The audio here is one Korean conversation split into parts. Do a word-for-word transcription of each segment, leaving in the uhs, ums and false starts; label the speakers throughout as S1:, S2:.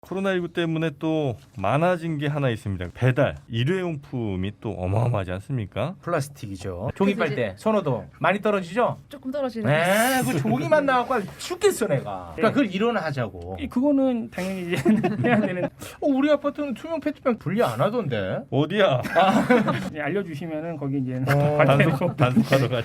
S1: 코로나십구 때문에 또 많아진 게 하나 있습니다. 배달, 일회용품이 또 어마어마하지 않습니까?
S2: 플라스틱이죠. 종이
S3: 그래서
S2: 빨대, 선호도 많이 떨어지죠?
S3: 조금 떨어지는.
S2: 네, 그 종이만 나와서 죽겠어 내가. 그러니까 그걸 일어나자고.
S4: 그거는 당연히 이제 해야 되는.
S2: 어, 우리 아파트는 투명 페트병 분리 안 하던데.
S1: 어디야?
S4: 이제 알려주시면은 거기 이제
S2: 어,
S1: 단속, 단속하러 가지.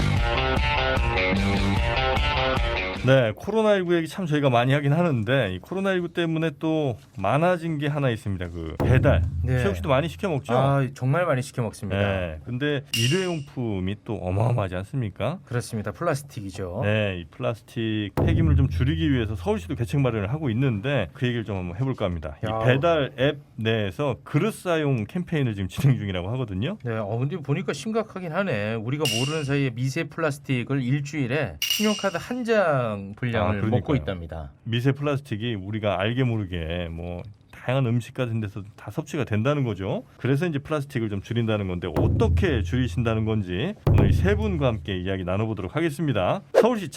S1: 네, 코로나십구 얘기 참 저희가 많이 하긴 하는데 이 코로나십구 때문에 또 많아진 게 하나 있습니다. 그 배달.
S2: 네.
S1: 최욱 씨도 많이 시켜 먹죠?
S2: 아, 정말 많이 시켜 먹습니다.
S1: 네. 근데 일회용품이 또 어마어마하지 않습니까?
S2: 그렇습니다. 플라스틱이죠.
S1: 네, 이 플라스틱 폐기물을 좀 줄이기 위해서 서울시도 대책 마련을 하고 있는데 그 얘기를 좀 한번 해볼까 합니다.
S2: 야.
S1: 이 배달 앱 내에서 그릇 사용 캠페인을 지금 진행 중이라고 하거든요.
S2: 네, 어 근데 보니까 심각하긴 하네. 우리가 모르는 사이에 미세 플라스틱을 일주일에 신용카드 한 장 분량을
S1: 아, 그러니까요.
S2: 먹고 있답니다.
S1: 미세 플라스틱이 우리가 알게 모르게 뭐 다양한 음식 같은 데서 다 섭취가 된다는 거죠. 그래서 이제 플라스틱을 좀 줄인다는 건데 어떻게 줄이신다는 건지 오늘 세 분과 함께 이야기 나눠보도록 하겠습니다. 서울시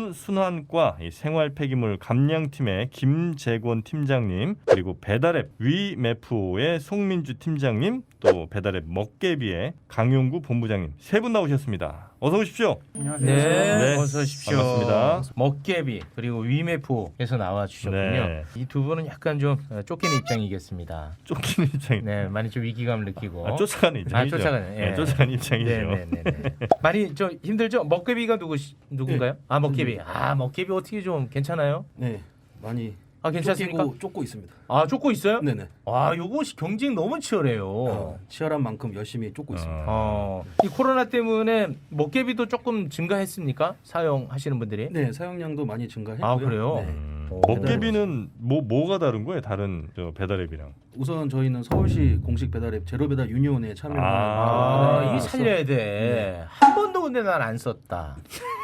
S1: 자원순환과 생활 폐기물 감량팀의 김재권 팀장님, 그리고 배달앱 위메프의 송민주 팀장님, 또 배달앱 먹개비의 강용구 본부장님 세 분 나오셨습니다. 어서 오십시오.
S4: 안녕하세요.
S2: 네,
S1: 네,
S2: 어서 오십시오.
S1: 반갑습니다.
S2: 먹개비 그리고 위메프에서 나와 주셨군요.
S1: 네.
S2: 이 두 분은 약간 좀 쫓기는 입장이겠습니다.
S1: 쫓기는 입장이
S2: 네, 많이 좀 위기감을 느끼고.
S1: 아, 쫓아가는 입장이죠.
S2: 아, 쫓아가는, 예.
S1: 네, 쫓아가는 입장이죠.
S2: 네, 네, 네, 네. 많이 저 힘들죠? 먹개비가 누구 누군가요?
S5: 네.
S2: 아, 먹개비. 아, 먹개비 어떻게 좀 괜찮아요?
S5: 네, 많이
S2: 아, 괜찮습니까?
S5: 쫓기고, 쫓고 있습니다.
S2: 아, 쫓고 있어요?
S5: 네네.
S2: 아, 요거 경쟁 너무 치열해요.
S5: 어, 치열한 만큼 열심히 쫓고 있습니다.
S2: 어, 이 코로나 때문에 먹개비도 조금 증가했습니까? 사용하시는 분들이?
S5: 네, 사용량도 많이 증가했고요.
S2: 아, 그래요?
S5: 네.
S1: 음,
S2: 오.
S1: 먹개비는 뭐 뭐가 다른 거예요? 다른 저 배달앱이랑?
S5: 우선 저희는 서울시 공식 배달앱 제로배달 유니온에 참여하는
S2: 아,
S1: 아,
S2: 이게 살려야 돼. 한 번도 근데 난 안 썼다.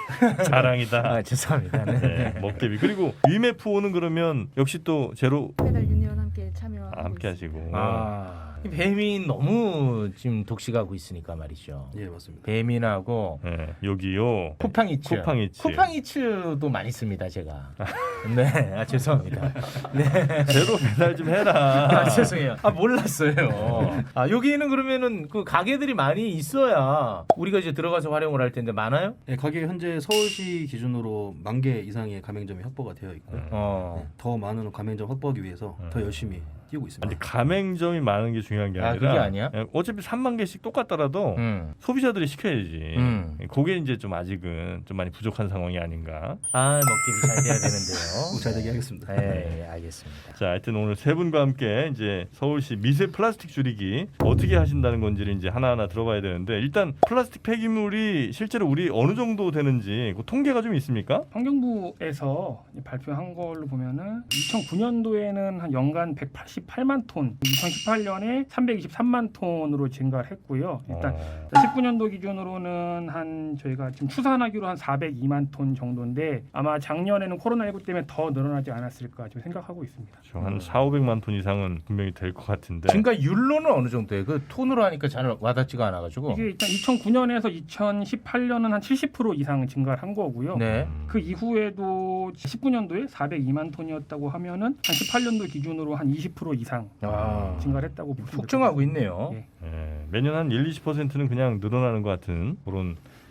S1: 자랑이다.
S2: 아, 죄송합니다. 네.
S1: 네, 먹개비. 그리고 위메프오는 그러면 역시 또 제로
S3: 배달 유니온 함께 참여하고
S1: 아, 함께
S3: 있습니다.
S1: 하시고.
S2: 아, 이 뱀이 너무 지금 독식하고 있으니까 말이죠.
S5: 예, 맞습니다.
S2: 뱀이나고
S1: 네, 여기요.
S2: 쿠팡이츠.
S1: 쿠팡이츠.
S2: 쿠팡이츠도 많이 씁니다, 제가. 네, 아, 죄송합니다. 네.
S1: 제로 배달 좀 해라.
S2: 아, 죄송해요. 아, 몰랐어요. 아, 여기는 그러면은 그 가게들이 많이 있어야 우리가 이제 들어가서 활용을 할 텐데 많아요?
S5: 네, 가게 현재 서울시 기준으로 만 개 이상의 가맹점이 확보가 되어 있고요.
S2: 어.
S5: 네, 더 많은 가맹점 확보하기 위해서 더 열심히 뛰고 있습니다.
S1: 근데 가맹점이 많은 게 중요한 게
S2: 아,
S1: 아니라
S2: 그게 아니야?
S1: 예, 어차피 삼만 개씩 똑같더라도
S2: 음.
S1: 소비자들이 시켜야지.
S2: 음.
S1: 그게 이제 좀 아직은 좀 많이 부족한 상황이 아닌가.
S2: 아, 먹기비 잘 돼야 되는데요.
S5: 꼭 잘 되게 하겠습니다.
S2: 네, 알겠습니다.
S1: 자, 하여튼 오늘 세 분과 함께 이제 서울시 미세 플라스틱 줄이기 어떻게 하신다는 건지를 이제 하나하나 들어봐야 되는데 일단 플라스틱 폐기물이 실제로 우리 어느 정도 되는지 그 통계가 좀 있습니까?
S4: 환경부에서 발표한 걸로 보면은 이천구 년도에는 한 연간 백팔십팔만 톤, 이천십팔 년에 삼백이십삼만 톤으로 증가를 했고요. 일단
S1: 어,
S4: 십구 년도 기준으로는 한 저희가 지금 추산하기로 한 사백이만 톤 정도인데 아마 작년에는 코로나십구 때문에 더 늘어나지 않았을까 좀 생각하고 있습니다.
S1: 한 사오백만 톤 이상은 분명히 될 것 같은데.
S2: 증가율로는 어느 정도예요? 그 톤으로 하니까 잘 와닿지가 않아가지고.
S4: 이게 일단 이천구 년에서 이천십팔 년은 한 칠십 퍼센트 이상 증가를 한 거고요.
S2: 네.
S1: 음,
S4: 그 이후에도 십구 년도에 사백이만 톤이었다고 하면은 한 십팔 년도 기준으로 한 이십 퍼센트 이상
S2: 아,
S4: 증가를 했다고 보시면
S2: 폭증하고
S4: 됩니다.
S2: 있네요.
S4: 예.
S1: 예, 매년 한 일, 이십 퍼센트는 그냥 늘어나는 것 같은 그런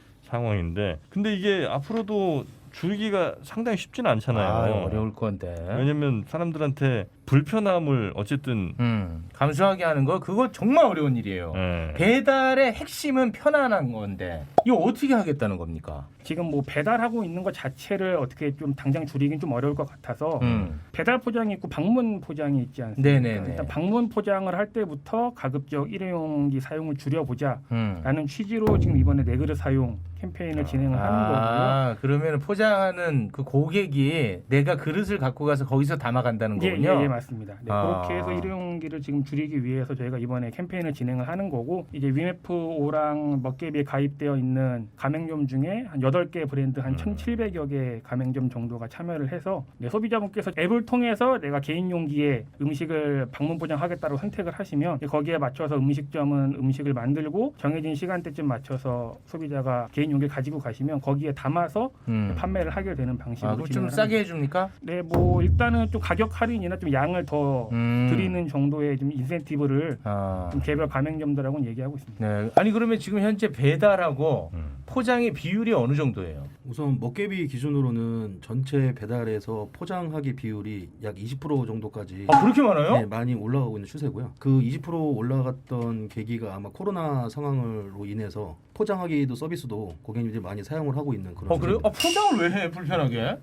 S1: 상황인데 근데 이게 앞으로도 줄이기가 상당히 쉽지는 않잖아요.
S2: 아, 어려울 건데.
S1: 왜냐면 사람들한테 불편함을 어쨌든
S2: 음, 감수하게 하는 거 그거 정말 어려운 일이에요.
S1: 예,
S2: 배달의 핵심은 편안한 건데 이거 어떻게 하겠다는 겁니까?
S4: 지금 뭐 배달하고 있는 것 자체를 어떻게 좀 당장 줄이긴 좀 어려울 것 같아서
S2: 음.
S4: 배달 포장이 있고 방문 포장이 있지 않습니까?
S2: 네네네.
S4: 일단 방문 포장을 할 때부터 가급적 일회용기 사용을 줄여보자라는
S2: 음.
S4: 취지로 지금 이번에 네 그릇 사용 캠페인을 진행을 하는 거고요.
S2: 아, 그러면 포장하는 그 고객이 내가 그릇을 갖고 가서 거기서 담아간다는
S4: 예,
S2: 거군요.
S4: 예, 예, 맞습니다. 네,
S2: 아.
S4: 그렇게 해서 일회용기를 지금 줄이기 위해서 저희가 이번에 캠페인을 진행을 하는 거고 이제 위메프오랑 먹개비에 가입되어 있는 가맹점 중에 한 여덟 개 브랜드 한
S1: 음.
S4: 천칠백여 개 가맹점 정도가 참여를 해서 네, 소비자분께서 앱을 통해서 내가 개인 용기에 음식을 방문 포장하겠다고 선택을 하시면 거기에 맞춰서 음식점은 음식을 만들고 정해진 시간대쯤 맞춰서 소비자가 개인 용기를 가지고 가시면 거기에 담아서
S2: 음.
S4: 판매를 하게 되는
S2: 아,
S4: 방식으로
S2: 그럼 좀
S4: 진행을
S2: 싸게
S4: 합니다.
S2: 해줍니까?
S4: 네, 뭐 일단은 좀 가격 할인이나 좀 양을 더
S2: 음.
S4: 드리는 정도의 좀 인센티브를
S2: 아.
S4: 좀 개별 가맹점들하고는 얘기하고 있습니다.
S2: 네. 아니 그러면 지금 현재 배달하고
S1: 음.
S2: 포장의 비율이 어느 정도예요?
S5: 우선 먹개비 기준으로는 전체 배달에서 포장하기 비율이 약 이십 퍼센트 정도까지
S2: 아 그렇게 많아요?
S5: 네, 많이 올라가고 있는 추세고요. 그 이십 퍼센트 올라갔던 계기가 아마 코로나 상황으로 인해서 포장하기도 서비스도 고객님들이 많이 사용을 하고 있는 그런
S2: 어 그래요? 아
S5: 추세입니다.
S2: 포장을 왜 해? 불편하게?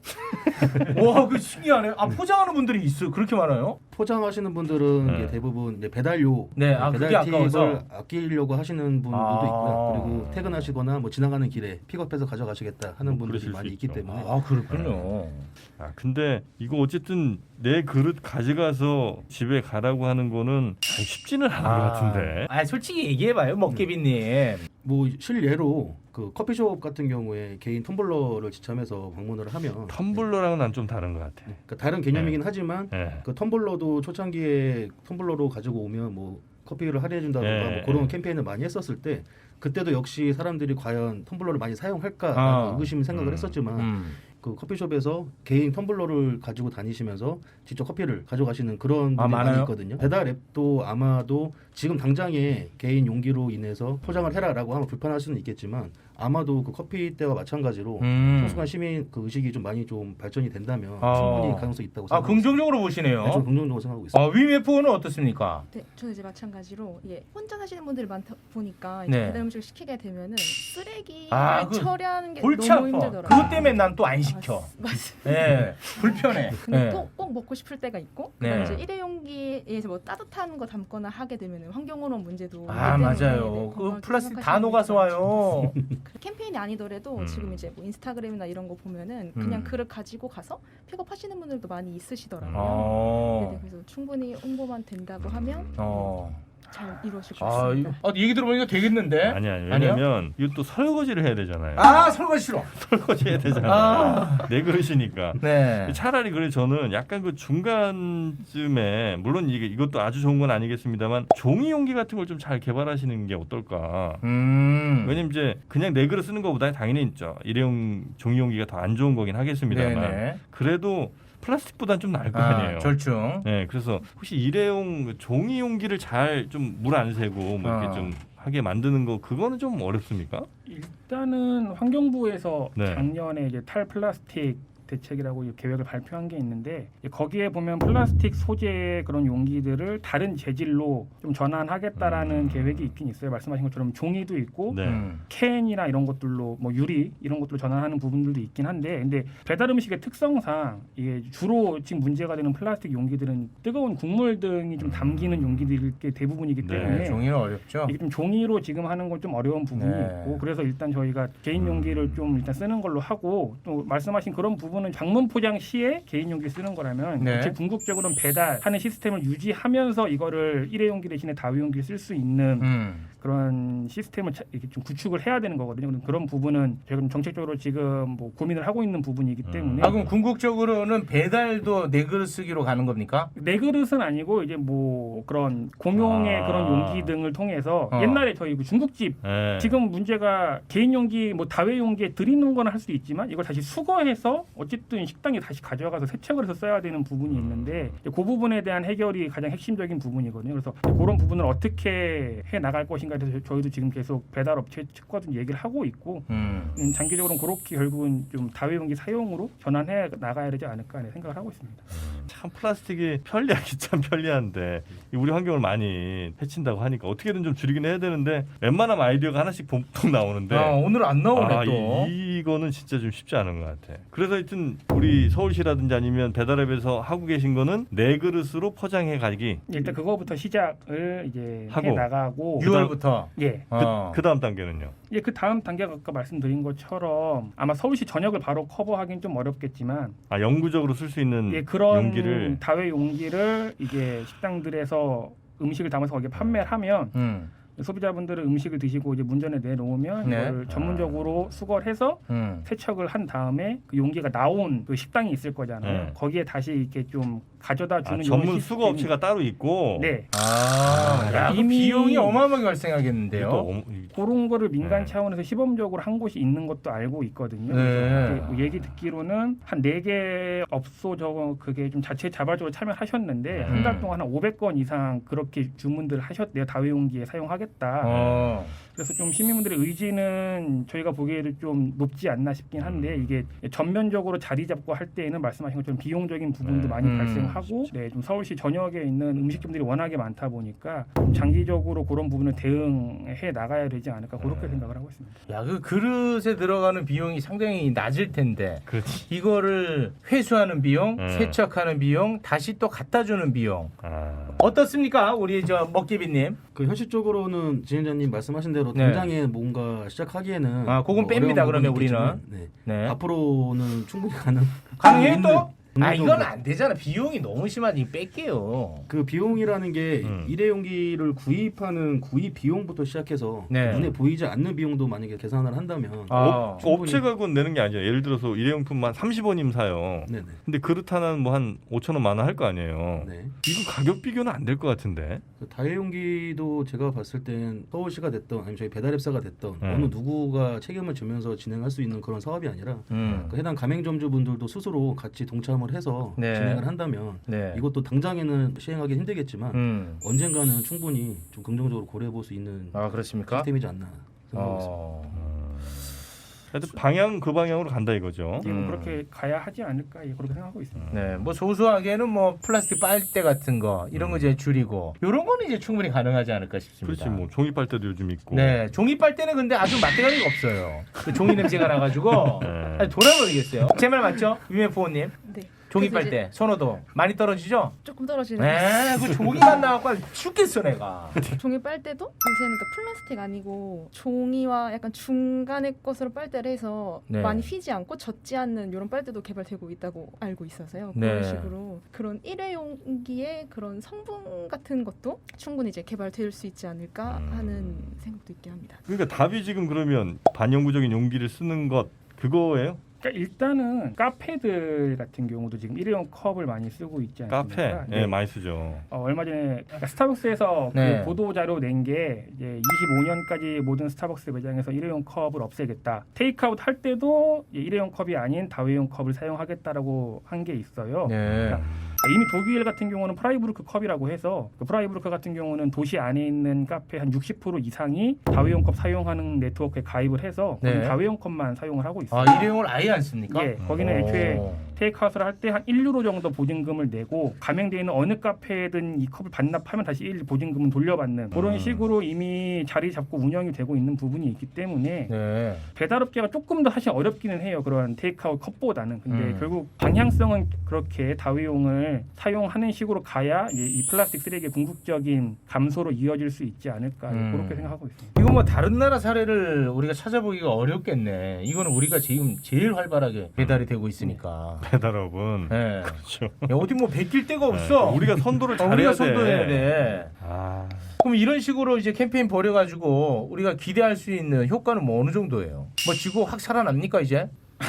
S2: 와, 그 신기하네. 아 포장하는 분들이 있어. 그렇게 많아요?
S5: 포장하시는 분들은
S1: 네.
S5: 이제 대부분 이제 배달료,
S2: 네, 아, 그게
S5: 배달 팁을
S2: 아까워서?
S5: 아끼려고 하시는 분들도
S2: 아.
S5: 있고요. 그리고 퇴근하시거나 뭐 지나가는 길에 픽업해서 가져가시겠다 하는
S1: 뭐
S5: 분들이
S1: 그러실
S5: 많이
S1: 수
S5: 있기
S1: 있죠.
S5: 때문에
S2: 아 그렇군요.
S1: 아 근데 이거 어쨌든 내 그릇 가져가서 집에 가라고 하는 거는 참 쉽지는 않은 것 같은데.
S2: 아 솔직히 얘기해봐요, 먹개비님.
S5: 뭐 실례로 그 커피숍 같은 경우에 개인 텀블러를 지참해서 방문을 하면
S1: 텀블러랑은 난 좀 다른 것 같아.
S5: 그러니까 다른 개념이긴 하지만
S1: 네.
S5: 그 텀블러도 초창기에 텀블러로 가지고 오면 뭐 커피를 할인해 준다든가
S1: 네.
S5: 뭐 그런 캠페인을 많이 했었을 때 그때도 역시 사람들이 과연 텀블러를 많이 사용할까
S2: 아.
S5: 의구심 생각을
S1: 음.
S5: 했었지만
S2: 음.
S5: 그 커피숍에서 개인 텀블러를 가지고 다니시면서 직접 커피를 가져가시는 그런 분들이
S2: 아,
S5: 많이
S2: 많아요?
S5: 있거든요. 배달 앱도 아마도 지금 당장에 개인 용기로 인해서 포장을 해라라고 하면 불편할 수는 있겠지만 아마도 그 커피 때와 마찬가지로
S2: 음.
S5: 소수간 시민 그 의식이 좀 많이 좀 발전이 된다면
S2: 아.
S5: 충분히 가능성이 있다고
S2: 아
S5: 생각합니다.
S2: 긍정적으로 보시네요.
S5: 네, 좀 긍정적으로 생각하고 있습니다.
S2: 아 위메프는 어떻습니까?
S3: 네, 저는 이제 마찬가지로 이게 혼자 사시는 분들이 많다 보니까
S2: 네.
S3: 이제 배달 음식을 시키게 되면은 쓰레기를
S2: 아, 그
S3: 처리하는 게
S2: 골치
S3: 너무
S2: 아파.
S3: 힘들더라고요.
S2: 그것 때문에 난 또 안 시켜.
S3: 맞습니다.
S2: 예, 불편해.
S3: 근데
S2: 예.
S3: 또 꼭 먹고 싶을 때가 있고
S2: 네.
S3: 그럼 이제 일회용기에서 뭐 따뜻한 거 담거나 하게 되면은 환경오염 문제도
S2: 아
S3: 있기 때문에
S2: 맞아요.
S3: 네,
S2: 그
S3: 건강
S2: 플라스틱 다
S3: 생각하시는
S2: 녹아서
S3: 분들이
S2: 와요.
S3: 그 캠페인이 아니더라도
S1: 음.
S3: 지금 이제 뭐 인스타그램이나 이런 거 보면은 그냥
S2: 음.
S3: 그릇 가지고 가서 픽업하시는 분들도 많이 있으시더라고요.
S2: 어.
S3: 네네, 그래서 충분히 홍보만 된다고 하면
S2: 어.
S3: 잘 이루어질 것
S2: 아,
S3: 같습니다.
S2: 이거, 아, 얘기 들어보니까 되겠는데?
S1: 아니 아니
S2: 아니요?
S1: 왜냐면 이거 또 설거지를 해야 되잖아요.
S2: 아 설거지 싫어.
S1: 설거지 해야 되잖아요.
S2: 아.
S1: 내 그릇이니까.
S2: 네.
S1: 차라리 그래 저는 약간 그 중간쯤에 물론 이게 이것도 아주 좋은 건 아니겠습니다만 종이 용기 같은 걸 좀 잘 개발하시는 게 어떨까.
S2: 음.
S1: 왜냐면 이제 그냥 내 그릇 쓰는 것보다 당연히 있죠. 일회용 종이 용기가 더 안 좋은 거긴 하겠습니다만
S2: 네네.
S1: 그래도 플라스틱보단 좀 나을 거
S2: 아,
S1: 아니에요.
S2: 절충.
S1: 네, 그래서 혹시 일회용 그 종이 용기를 잘 좀 물 안 새고 뭐 이렇게
S2: 어.
S1: 좀 하게 만드는 거 그거는 좀 어렵습니까?
S4: 일단은 환경부에서
S1: 네.
S4: 작년에 이제 탈플라스틱 대책이라고 계획을 발표한 게 있는데 거기에 보면 플라스틱 소재의 그런 용기들을 다른 재질로 좀 전환하겠다라는
S1: 음.
S4: 계획이 있긴 있어요. 말씀하신 것처럼 종이도 있고
S1: 네.
S2: 음.
S4: 캔이나 이런 것들로 뭐 유리 이런 것들로 전환하는 부분들도 있긴 한데 근데 배달 음식의 특성상 이게 주로 지금 문제가 되는 플라스틱 용기들은 뜨거운 국물 등이 좀 담기는 용기들이 대부분이기
S1: 네,
S4: 때문에
S2: 네, 종이는 어렵죠.
S4: 이게 좀 종이로 지금 하는 건 좀 어려운 부분이
S2: 네.
S4: 있고 그래서 일단 저희가 개인 용기를 좀 일단 쓰는 걸로 하고 또 말씀하신 그런 부분은 장문 포장 시에 개인 용기 쓰는 거라면
S2: 네.
S4: 제 궁극적으로는 배달하는 시스템을 유지하면서 이거를 일회용기 대신에 다회용기 쓸 수 있는
S2: 음.
S4: 그런 시스템을 차- 이렇게 좀 구축을 해야 되는 거거든요. 그럼 그런 부분은 저희가 좀 정책적으로 지금 뭐 고민을 하고 있는 부분이기
S1: 음.
S4: 때문에
S2: 아 그럼 궁극적으로는 배달도 내 그릇 쓰기로 가는 겁니까?
S4: 내 그릇은 아니고 이제 뭐 그런 공용의
S1: 아.
S4: 그런 용기 등을 통해서
S2: 어.
S4: 옛날에 저희 그 중국집
S1: 네.
S4: 지금 문제가 개인 용기 뭐 다회 용기에 드리는 건 할 수 있지만 이걸 다시 수거해서 어쨌든 식당에 다시 가져가서 세척을 해서 써야 되는 부분이 있는데 그 부분에 대한 해결이 가장 핵심적인 부분이거든요. 그래서 그런 부분을 어떻게 해 나갈 것인가에 대해서 저희도 지금 계속 배달 업체 측과 좀 얘기를 하고 있고
S2: 음.
S4: 음, 장기적으로는 그렇게 결국은 좀 다회 용기 사용으로 전환해 나가야 되지 않을까 하는 생각을 하고 있습니다.
S1: 참 플라스틱이 편리하기 참 편리한데 우리 환경을 많이 해친다고 하니까 어떻게든 좀 줄이긴 해야 되는데 웬만하면 아이디어가 하나씩 봉통 나오는데
S2: 아 오늘 안 나오네
S1: 아,
S2: 또.
S1: 이, 이거는 진짜 좀 쉽지 않은 것 같아. 그래서 하여튼 우리 서울시라든지 아니면 배달앱에서 하고 계신 거는 내 그릇으로 포장해 가기.
S4: 일단 그거부터 시작을 이제
S1: 하고.
S4: 해 나가고
S2: 유월부터.
S4: 예.
S2: 어.
S1: 그 다음 단계는요.
S4: 예, 그 다음 단계가 아까 말씀드린 것처럼 아마 서울시 전역을 바로 커버하기는 좀 어렵겠지만
S1: 아 영구적으로 쓸 수 있는
S4: 예, 그런
S1: 용기를
S4: 다회 용기를 이제 식당들에서 음식을 담아서 거기에 판매를 하면
S2: 음.
S4: 소비자분들은 음식을 드시고 이제 문전에 내놓으면
S2: 네.
S4: 이걸 전문적으로 수거를 해서
S2: 음.
S4: 세척을 한 다음에 그 용기가 나온 그 식당이 있을 거잖아요.
S1: 네.
S4: 거기에 다시 이렇게 좀 가져다
S1: 아,
S4: 주는
S1: 전문
S4: 이런
S1: 수거 업체가 따로 있고.
S4: 네.
S2: 아, 야, 그
S4: 이미-
S2: 비용이 어마어마하게
S1: 이게
S2: 발생하겠는데요.
S1: 또 어머-
S4: 그런 거를 민간
S1: 네.
S4: 차원에서 시범적으로 한 곳이 있는 것도 알고 있거든요.
S2: 네.
S4: 그래서 이렇게 뭐 얘기 듣기로는 한 네 개 업소 저거 그게 좀 자체 자발적으로 참여하셨는데 한 달
S2: 음.
S4: 동안 한 오백 건 이상 그렇게 주문들을 하셨대요. 다회용기에 사용하겠다.
S2: 어.
S4: 그래서 좀 시민분들의 의지는 저희가 보기에도 좀 높지 않나 싶긴 한데 이게 전면적으로 자리 잡고 할 때에는 말씀하신 것처럼 비용적인 부분도
S1: 네.
S4: 많이
S2: 음.
S4: 발생하고 네, 좀 서울시 전역에 있는 음식점들이 워낙에 많다 보니까 좀 장기적으로 그런 부분을 대응해 나가야 되지 않을까 그렇게
S1: 네.
S4: 생각을 하고 있습니다.
S2: 야, 그 그릇에 들어가는 비용이 상당히 낮을 텐데
S1: 그렇지.
S2: 이거를 회수하는 비용,
S1: 음.
S2: 세척하는 비용, 다시 또 갖다 주는 비용
S1: 아.
S2: 어떻습니까, 우리 저 먹개비님?
S5: 그 현실적으로는 진행자님 말씀하신 대로
S2: 네.
S5: 당장에 뭔가 시작하기에는
S2: 아, 그건 뺍니다,
S5: 어려운
S2: 그러면
S5: 부분이 있겠지만,
S2: 우리는.
S5: 네.
S2: 네.
S5: 앞으로는 충분히 가능.
S2: 가능해요
S5: 있는-
S2: 또? 아,
S5: 있는
S2: 이건
S5: 정도.
S2: 안 되잖아. 비용이 너무 심하니 뺄게요.
S5: 그 비용이라는 게
S1: 음.
S5: 일회용기를 구입하는 구입 비용부터 시작해서
S2: 네.
S5: 눈에 보이지 않는 비용도 만약에 계산을 한다면
S2: 아.
S1: 업,
S5: 충분히-
S1: 업체가 그건 내는 게 아니에요. 예를 들어서 일회용품만 삼십 원이면 사요.
S5: 네네.
S1: 근데 그릇 하나는 뭐 한 오천 원 만 원 할 거 아니에요.
S5: 네.
S1: 이거 가격 비교는 안 될 것 같은데.
S5: 그 다회용기도 제가 봤을 땐 서울시가 됐던 아니면 저희 배달앱사가 됐던
S1: 음.
S5: 어느 누구가 책임을 지면서 진행할 수 있는 그런 사업이 아니라
S2: 음.
S5: 그 해당 가맹점주분들도 스스로 같이 동참을 해서
S2: 네.
S5: 진행을 한다면
S2: 네.
S5: 이것도 당장에는 시행하기 힘들겠지만
S2: 음.
S5: 언젠가는 충분히 좀 긍정적으로 고려해 볼 수 있는
S2: 아, 그렇습니까?
S5: 시스템이지 않나 생각하고 있습니다.
S2: 어.
S1: 하여튼 방향 그 방향으로 간다 이거죠.
S4: 예, 뭐
S2: 음.
S4: 그렇게 가야 하지 않을까 예, 그렇게 생각하고 있습니다.
S2: 네, 뭐 소소하게는 뭐 플라스틱 빨대 같은 거 이런 거 이제 줄이고 이런 거는 이제 충분히 가능하지 않을까 싶습니다.
S1: 그렇지 뭐 종이 빨대도 요즘 있고.
S2: 네, 종이 빨대는 근데 아주 맛대가리가 없어요. 그 종이 냄새가 나가지고
S1: 네.
S2: 아니, 돌아버리겠어요. 제 말 맞죠, 유엠포님?
S3: 네.
S2: 종이
S3: 그래서 이제
S2: 빨대 선호도 많이 떨어지죠?
S3: 조금 떨어지는.
S2: 네, 그 종이만 나와서 죽겠어 내가.
S3: 종이 빨대도 요새는 그 플라스틱 아니고 종이와 약간 중간의 것으로 빨대를 해서
S2: 네.
S3: 많이 휘지 않고 젖지 않는 이런 빨대도 개발되고 있다고 알고 있어서요.
S2: 네.
S3: 그런 식으로 그런 일회용기의 그런 성분 같은 것도 충분히 이제 개발될 수 있지 않을까
S1: 음.
S3: 하는 생각도 있게 합니다.
S1: 그러니까 답이 지금 그러면 반영구적인 용기를 쓰는 것 그거예요?
S4: 그러니까 일단은 카페들 같은 경우도 지금 일회용 컵을 많이 쓰고 있지 않습니까?
S1: 카페, 예,
S4: 네.
S1: 많이 쓰죠.
S4: 어, 얼마 전에 그러니까 스타벅스에서
S2: 네.
S4: 그 보도 자료 낸 게 이제 이십오 년까지 모든 스타벅스 매장에서 일회용 컵을 없애겠다. 테이크아웃 할 때도 일회용 컵이 아닌 다회용 컵을 사용하겠다라고 한 게 있어요.
S2: 네.
S4: 그러니까 이미 독일 같은 경우는 프라이부르크 컵이라고 해서 그 프라이부르크 같은 경우는 도시 안에 있는 카페 한 육십 퍼센트 이상이 다회용 컵 사용하는 네트워크에 가입을 해서
S2: 네.
S4: 거기 다회용 컵만 사용을 하고 있어요.
S2: 아, 일회용을 아예 안 씁니까?
S4: 예, 거기는 애초에
S2: 오.
S4: 테이크아웃을 할 때 한 일 유로 정도 보증금을 내고 가맹되어 있는 어느 카페든 이 컵을 반납하면 다시 일 보증금은 돌려받는 그런
S1: 음.
S4: 식으로 이미 자리 잡고 운영이 되고 있는 부분이 있기 때문에
S2: 네.
S4: 배달업계가 조금 더 사실 어렵기는 해요. 그런 테이크아웃 컵보다는. 근데
S2: 음.
S4: 결국 방향성은 그렇게 다회용을 사용하는 식으로 가야 이, 이 플라스틱 쓰레기의 궁극적인 감소로 이어질 수 있지 않을까
S2: 음.
S4: 그렇게 생각하고 있습니다.
S2: 이거 뭐 다른 나라 사례를 우리가 찾아보기가 어렵겠네. 이거는 우리가 지금 제일 활발하게 배달이 되고 있으니까.
S1: 배달업은
S2: 네.
S1: 그렇죠.
S2: 야, 어디 뭐 베낄 데가 없어.
S1: 네, 우리가 선도를
S2: 어,
S1: 잘해야
S2: 우리가
S1: 돼.
S2: 선도해야 돼.
S1: 아,
S2: 그럼 이런 식으로 이제 캠페인 벌여가지고 우리가 기대할 수 있는 효과는 뭐 어느 정도예요? 뭐 지구 확 살아납니까 이제?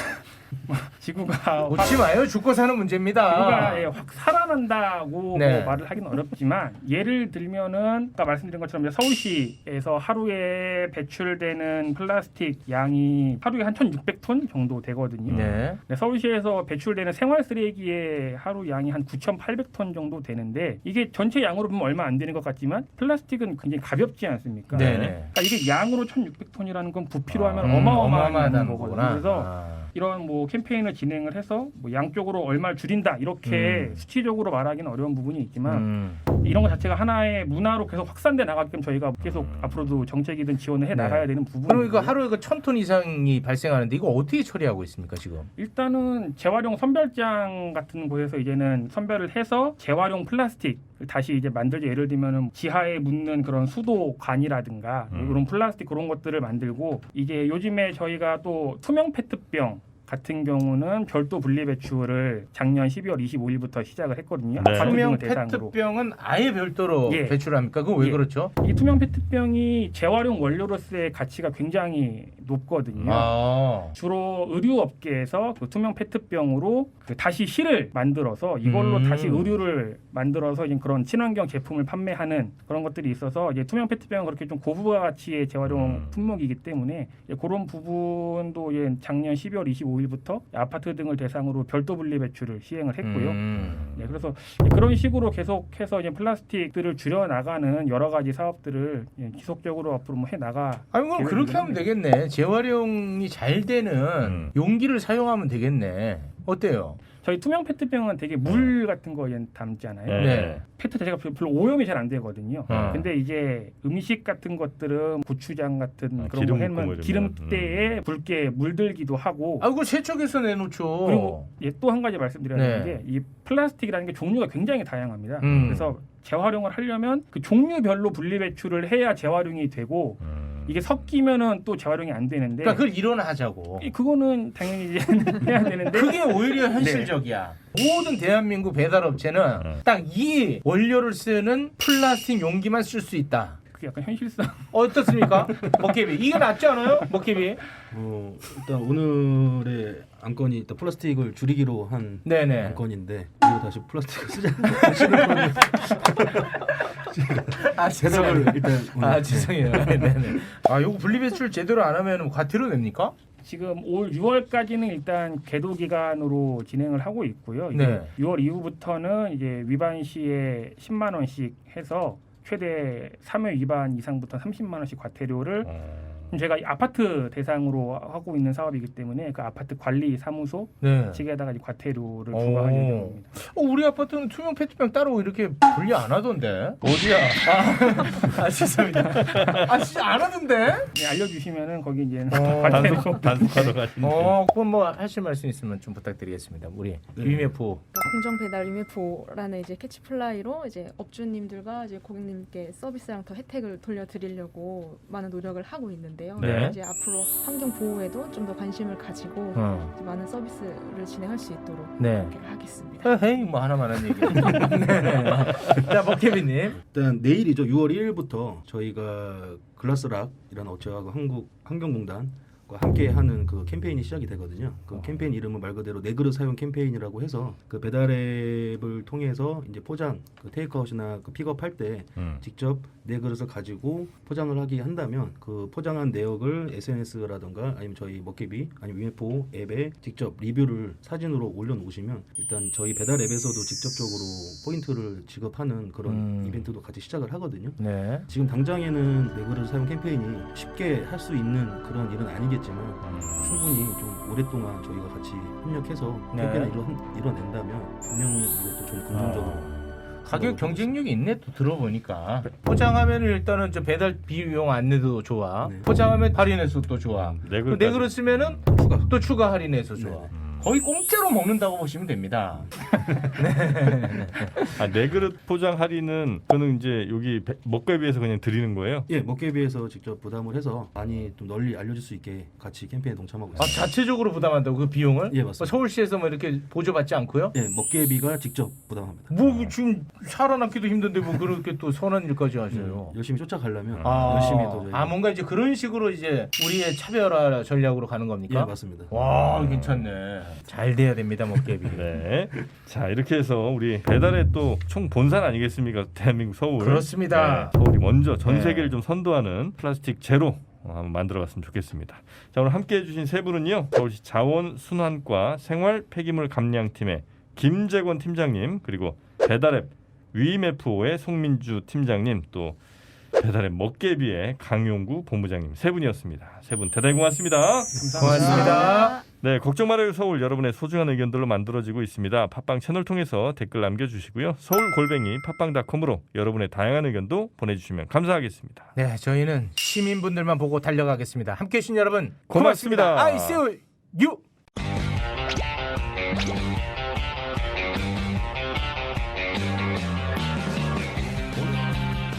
S4: 지구가
S2: 웃지 마요. 죽고 사는 문제입니다.
S4: 지구가 예, 확 살아난다고
S2: 네.
S4: 뭐 말을 하기는 어렵지만 예를 들면은 아까 말씀드린 것처럼 이제 서울시에서 하루에 배출되는 플라스틱 양이 하루에 한 천육백 톤 정도 되거든요.
S2: 네.
S4: 네, 서울시에서 배출되는 생활 쓰레기의 하루 양이 한 구천팔백 톤 정도 되는데 이게 전체 양으로 보면 얼마 안 되는 것 같지만 플라스틱은 굉장히 가볍지 않습니까?
S2: 네.
S4: 그러니까 이게 양으로 천육백 톤이라는 건 부피로 하면
S2: 음,
S4: 어마어마한
S2: 어마어마하다는
S4: 거거든요.
S2: 거구나.
S4: 그래서
S2: 아.
S4: 이런 뭐 캠페인을 진행을 해서 뭐 양쪽으로 얼마를 줄인다 이렇게
S2: 음.
S4: 수치적으로 말하기는 어려운 부분이 있지만
S2: 음.
S4: 이런 것 자체가 하나의 문화로 계속 확산돼 나가게끔 저희가 계속 앞으로도 정책이든 지원을 해
S2: 네.
S4: 나가야 되는 부분이
S2: 그럼 이거 하루에 그 천 톤 이상이 발생하는데 이거 어떻게 처리하고 있습니까 지금?
S4: 일단은 재활용 선별장 같은 곳에서 이제는 선별을 해서 재활용 플라스틱 다시 이제 만들죠. 예를 들면은 지하에 묻는 그런 수도관이라든가
S1: 음.
S4: 이런 플라스틱 그런 것들을 만들고 이게 요즘에 저희가 또 투명 페트병 같은 경우는 별도 분리 배출을 작년 십이월 이십오일부터 시작을 했거든요.
S1: 네.
S4: 가맹
S2: 투명
S4: 등을 대상으로.
S2: 페트병은 아예 별도로
S4: 예.
S2: 배출합니까? 그거 왜
S4: 예.
S2: 그렇죠?
S4: 이 투명 페트병이 재활용 원료로서의 가치가 굉장히 높거든요.
S2: 아.
S4: 주로 의류 업계에서 그 투명 페트병으로 그 다시 실을 만들어서 이걸로
S2: 음.
S4: 다시 의류를 만들어서 이제 그런 친환경 제품을 판매하는 그런 것들이 있어서 이제 투명 페트병은 그렇게 좀 고부가 가치의 재활용
S1: 음.
S4: 품목이기 때문에 이제 그런 부분도 이제 작년 십이월 이십오일부터 아파트 등을 대상으로 별도 분리 배출을 시행을 했고요.
S2: 음.
S4: 네, 그래서 그런 식으로 계속해서 이제 플라스틱들을 줄여 나가는 여러 가지 사업들을 예, 지속적으로 앞으로 뭐 해 나가.
S2: 아니 그럼 그렇게 하면 되겠네. 재활용이 잘 되는
S1: 음.
S2: 용기를 사용하면 되겠네. 어때요?
S4: 저희 투명 페트병은 되게 물 같은 거 담잖아요.
S1: 네.
S2: 네.
S4: 페트 자체가 별로 오염이 잘 안 되거든요.
S2: 어.
S4: 근데 이제 음식 같은 것들은 고추장 같은
S1: 아,
S4: 그런
S1: 기름
S4: 거
S1: 묻고 뭐
S4: 해면
S1: 이러면.
S4: 기름때에 붉게 물들기도 하고.
S2: 아, 그걸 세척해서 내놓죠.
S4: 그리고 예, 또 한 가지 말씀드려야
S2: 네.
S4: 되는 게 이 플라스틱이라는 게 종류가 굉장히 다양합니다.
S2: 음.
S4: 그래서 재활용을 하려면 그 종류별로 분리 배출을 해야 재활용이 되고
S1: 음.
S4: 이게 섞이면은 또 재활용이 안 되는데
S2: 그러니까 그걸 일어나자고.
S4: 이- 그거는 당연히 이제 해야 되는데
S2: 그게 오히려 현실적이야. 모든 대한민국 배달업체는
S1: 네.
S2: 딱 이 원료를 쓰는 플라스틱 용기만 쓸 수 있다.
S4: 그게 약간 현실성.
S2: 어떻습니까? 먹개비. 이게 낫지 않아요? 먹개비.
S5: 어, 일단 오늘의 안건이 일단 플라스틱을 줄이기로 한
S2: 네네.
S5: 안건인데 이거 다시 플라스틱을 쓰자.
S2: 아,
S5: 대답을 일단 오늘,
S2: 아,
S5: 네.
S2: 죄송해요. 네네. 아, 요거 분리배출 제대로 안 하면 과태료 냅니까?
S4: 지금 올 유월까지는 일단 계도 기간으로 진행을 하고 있고요. 이제
S2: 네.
S4: 유월 이후부터는 이제 위반 시에 십만 원씩 해서 최대 삼 회 위반 이상부터 삼십만 원씩 과태료를
S1: 어.
S4: 지금 제가 이 아파트 대상으로 하고 있는 사업이기 때문에 그 아파트 관리 사무소
S2: 네.
S4: 측에다가 이제 과태료를
S2: 오.
S4: 부과할 예정입니다.
S2: 어, 우리 아파트는 투명 페트병 따로 이렇게 분리 안 하던데. 어디야? 아, 아 죄송합니다. 아 진짜 안 하던데?
S4: 네, 알려주시면은 거기 이제
S2: 어.
S4: 과태료.
S1: 단속 단속하러 가시는.
S2: 어, 그럼 뭐 하실 말씀 있으면 좀 부탁드리겠습니다. 우리
S5: 네.
S2: 위메포.
S3: 공정 배달 유메포라는 이제 캐치플라이로 이제 업주님들과 이제 고객님께 서비스랑 더 혜택을 돌려드리려고 많은 노력을 하고 있는데요.
S2: 네.
S3: 이제 앞으로 환경 보호에도 좀 더 관심을 가지고
S2: 어.
S3: 이제 많은 서비스를 진행할 수 있도록
S2: 네.
S3: 그렇게 하겠습니다.
S2: 헤이 뭐 하나만 한 얘기. 네. 자, 먹개비님.
S5: 일단 내일이죠. 유월 일일부터 저희가 글라스락이라는 업체하고 한국 환경공단과 함께 하는 그 캠페인이 시작이 되거든요. 그 캠페인 이름은 말 그대로 내 그릇 사용 캠페인이라고 해서 그 배달앱을 통해서 이제 포장, 그 테이크아웃이나 그 픽업할 때
S1: 음.
S5: 직접 내 그릇을 가지고 포장을 하게 한다면 그 포장한 내역을 에스엔에스라든가 아니면 저희 먹개비 아니면 위메포 앱에 직접 리뷰를 사진으로 올려놓으시면 일단 저희 배달 앱에서도 직접적으로 포인트를 지급하는 그런
S2: 음.
S5: 이벤트도 같이 시작을 하거든요.
S2: 네.
S5: 지금 당장에는 내 그릇 사용 캠페인이 쉽게 할 수 있는 그런 일은 아니겠지만 충분히 좀 오랫동안 저희가 같이 협력해서
S2: 네.
S5: 캠페인을 이뤄, 이뤄낸다면 분명히 이것도 좀 긍정적으로
S2: 아. 가격 경쟁력이 있네 또 들어보니까. 포장하면 일단은 저 배달 비용 안내도 좋아.
S5: 네.
S2: 포장하면 할인해서 또 좋아.
S1: 네
S2: 그 내 그릇 쓰면은
S5: 추가.
S2: 또 추가 할인해서 좋아.
S5: 네.
S1: 음.
S2: 거의 공짜로 먹는다고 보시면 됩니다.
S1: 아, 네 그릇 포장 할인은 저는 이제 여기 배- 먹개비에서 그냥 드리는 거예요.
S5: 예, 먹개비에서 직접 부담을 해서 많이 좀 널리 알려질 수 있게 같이 캠페인에 동참하고
S2: 아,
S5: 있습니다.
S2: 자체적으로 부담한다고 그 비용을?
S5: 예, 맞습니다.
S2: 뭐 서울시에서 뭐 이렇게 보조받지 않고요?
S5: 예, 먹개비가 직접 부담합니다.
S2: 뭐 지금 살아남기도 힘든데 뭐 그렇게 또 선한 일까지 하셔요.
S5: 음, 열심히 쫓아가려면
S2: 아,
S5: 열심히 더 저희가
S2: 아 뭔가 이제 그런 식으로 이제 우리의 차별화 전략으로 가는
S5: 예,
S2: 겁니까?
S5: 맞습니다.
S2: 와 괜찮네. 잘 돼야 됩니다 먹개비.
S1: 네. 자 이렇게 해서 우리 배달의 또 총 본산 아니겠습니까? 대한민국 서울.
S2: 그렇습니다.
S1: 네, 서울이 먼저 전
S2: 네.
S1: 세계를 좀 선도하는 플라스틱 제로 어, 한번 만들어봤으면 좋겠습니다. 자 오늘 함께해주신 세 분은요. 서울시 자원순환과 생활 폐기물 감량팀의 김재권 팀장님 그리고 배달앱 위메프오의 송민주 팀장님 또 배달앱 먹개비의 강용구 본부장님 세 분이었습니다. 세 분 대단히 고맙습니다.
S2: 고맙습니다.
S1: 네, 걱정 말아요 서울 여러분의 소중한 의견들로 만들어지고 있습니다. 팟빵 채널 통해서 댓글 남겨주시고요. 서울 골뱅이 팟빵닷컴으로 여러분의 다양한 의견도 보내주시면 감사하겠습니다.
S2: 네 저희는 시민분들만 보고 달려가겠습니다. 함께해 주신 여러분
S1: 고맙습니다.
S2: 고맙습니다. I see you.